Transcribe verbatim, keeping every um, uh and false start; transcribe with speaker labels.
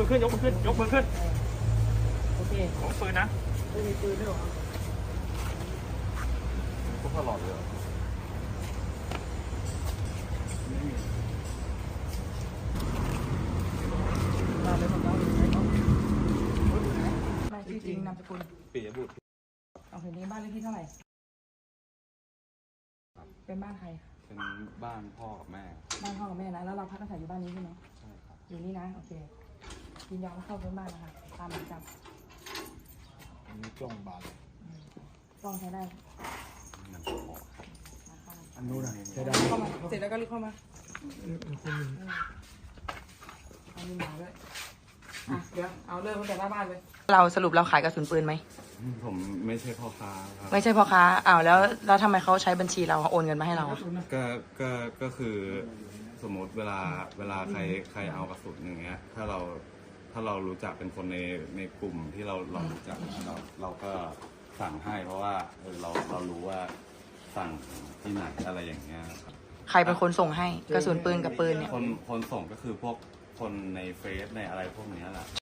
Speaker 1: มือขึ้นยกมือขึ้นยกมือขึ้น
Speaker 2: โอเค
Speaker 1: ของปืนนะ
Speaker 2: ไม่มีปืนด้วยหรอ
Speaker 3: พวกตลอดเลย
Speaker 2: มาเลยมาเลยมาชื่อจริงนามสกุล
Speaker 3: ปิยบุตร
Speaker 2: เอาเห็นนี้บ้านเลขที่เท่าไหร่เป็นบ้านใคร
Speaker 3: เป็นบ้านพ่อกับแม่
Speaker 2: บ้านพ่อกับแม่นะแล้วเราพักอาศัยอยู่บ้านนี้ใช่ไหม
Speaker 3: ใช่ครับ
Speaker 2: อยู่นี่นะโอเคยินยอมเข้าเป็นบ้านนะคะตามหมายจับ
Speaker 3: อันนี้กล้องบาน
Speaker 2: กล้องใช้ได้
Speaker 3: อันนู้นอะใช้ได้
Speaker 2: เข้ามาเสร็จแล้วก็รีบเข้ามาเอามีหมาด้วยอ่ะเดี๋ยวเอาเริ่มตั้งแต่หน้าบ้านเลยเราสรุปเราขายกระสุนปืนไหม
Speaker 3: ผมไม่ใช่พ่อค้าครับ
Speaker 2: ไม่ใช่พ่อค้าอ้าวแล้วแล้วทำไมเขาใช้บัญชีเราโอนเงินมาให้เรา
Speaker 3: ก็ก็ก็คือสมมติเวลาเวลาใครใครเอากระสุนอย่างเงี้ยถ้าเราถ้าเรารู้จักเป็นคนในในกลุ่มที่เราเรารู้จักเราเราก็สั่งให้เพราะว่าเออเราเรารู้ว่าสั่งที่ไหนอะไรอย่างเงี้ยครับ
Speaker 2: ใครเป็นคนส่งให้กระสุนปืนกับปืนเนี่ย
Speaker 3: คนคนส่งก็คือพวกคนในเฟซในอะไรพวกนี้แหละ